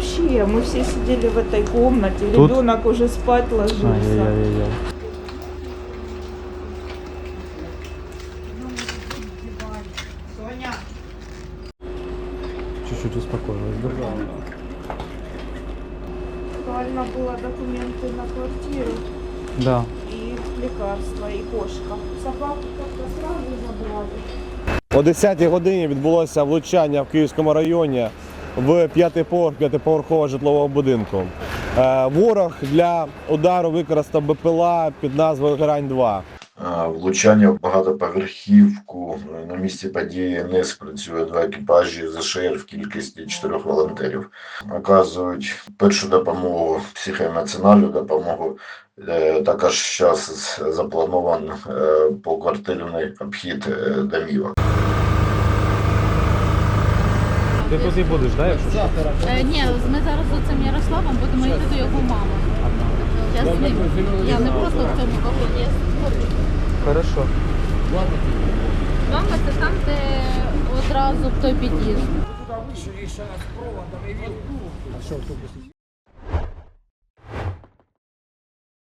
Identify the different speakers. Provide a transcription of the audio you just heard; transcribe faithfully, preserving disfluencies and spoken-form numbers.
Speaker 1: вообще, мы все сидели в этой комнате,
Speaker 2: Тут?
Speaker 1: ребенок уже спать ложился.
Speaker 2: Ай-яй-яй-яй.
Speaker 1: Соня.
Speaker 2: Чуть-чуть успокоилась, да?
Speaker 1: Реально было документы на квартиру
Speaker 2: Да.
Speaker 1: и лекарства, и кошка. Собаку как-то сразу забрали.
Speaker 3: О десятій годині відбулося влучання в Київському районі в п'ятий поверх п'ятиповерхового житлового будинку. Е, Ворог для удару використав БПЛА під назвою Грань два.
Speaker 4: Влучання в багатоповерхівку. На місці події не спрацює два екіпажі ЗШР в кількості чотирьох волонтерів. Оказують першу допомогу, психоемоціональну допомогу. Також зараз запланований поквартирний обхід домівок.
Speaker 2: Ти тут і будеш, да, якщо що?
Speaker 5: Е, ні, ми зараз з цим Ярославом будемо йти до його мами. Я з ним. Я не просто в цьому вагоні, я з
Speaker 2: Хорошо.
Speaker 5: Мама це там, де одразу в той під'їзд.
Speaker 6: Туди вийшов, і ще нас проводом, і він. А що, автобус?